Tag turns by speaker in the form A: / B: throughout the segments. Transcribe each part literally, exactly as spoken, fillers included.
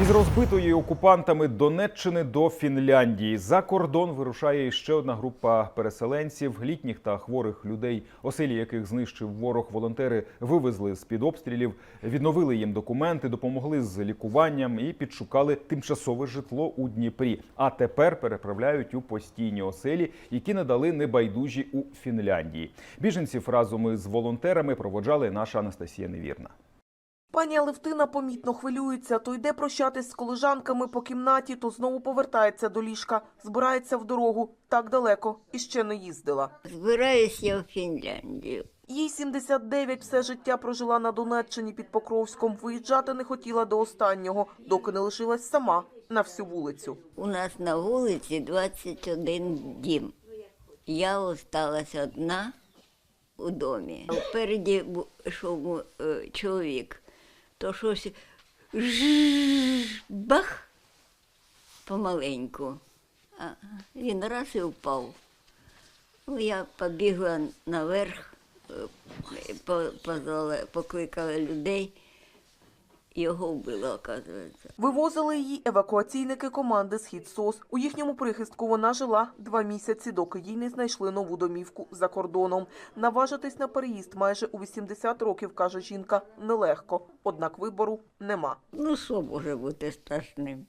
A: Із розбитої окупантами Донеччини до Фінляндії. За кордон вирушає ще одна група переселенців, літніх та хворих людей, оселі яких знищив ворог. Волонтери вивезли з-під обстрілів, відновили їм документи, допомогли з лікуванням і підшукали тимчасове житло у Дніпрі. А тепер переправляють у постійні оселі, які надали небайдужі у Фінляндії. Біженців разом із волонтерами проводжали наша Анастасія Невірна.
B: Пані Алевтина помітно хвилюється. То йде прощатись з колежанками по кімнаті, то знову повертається до ліжка. Збирається в дорогу. Так далеко. І ще не їздила.
C: Збираюсь я в Фінляндію.
B: Їй сімдесят дев'ять, все життя прожила на Донеччині під Покровськом. Виїжджати не хотіла до останнього, доки не лишилась сама на всю вулицю.
C: У нас на вулиці двадцять один дім. Я осталась одна у домі. Впереді йшов е, чоловік. То щось жжж, бах, помаленьку. А він раз і впав. Ну, я побігла наверх, позвала, покликала людей, його вбило, оказується.
B: Вивозили її евакуаційники команди «Схід СОС». У їхньому прихистку вона жила два місяці, доки їй не знайшли нову домівку за кордоном. Наважитись на переїзд майже у вісімдесят років, каже жінка, нелегко. Однак вибору нема.
C: Ну, що може бути страшним?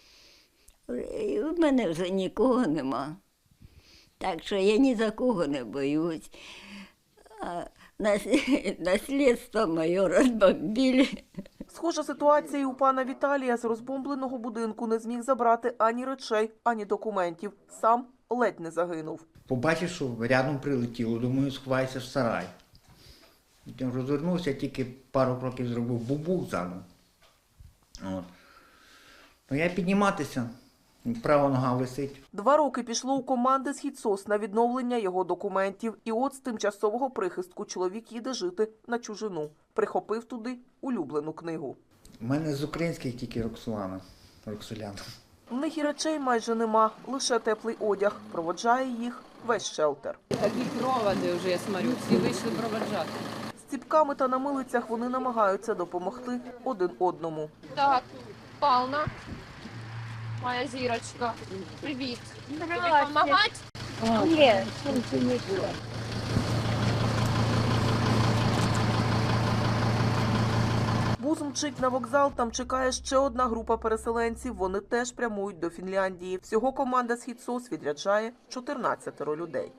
C: У мене вже нікого нема. Так що я ні за кого не боюсь. А наслідство моє розбомбили.
B: Схожа ситуація і у пана Віталія. З розбомбленого будинку не зміг забрати ані речей, ані документів. Сам ледь не загинув.
D: Побачив, що рядом прилетіло, думаю, сховайся в сарай. Потім розвернувся, тільки пару кроків зробив бубух заново. От. Ну, я підніматися, права нога висить.
B: Два роки пішло у команди «Схід СОС» на відновлення його документів. І от з тимчасового прихистку чоловік їде жити на чужину. Прихопив туди улюблену книгу.
D: У мене з українських тільки Роксолана, Роксоляна.
B: В них і речей майже нема, лише теплий одяг. Проводжає їх весь шелтер.
E: Такі проводи вже, я смотрю, всі вийшли проводжати.
B: З ціпками та на милицях вони намагаються допомогти один одному.
F: Так, Павловна, моя зірочка, привіт. Тобі допомагати?
C: Ні, це не було.
B: Бус мчить на вокзал, там чекає ще одна група переселенців. Вони теж прямують до Фінляндії. Всього команда «Схід СОС» відряджає чотирнадцять людей.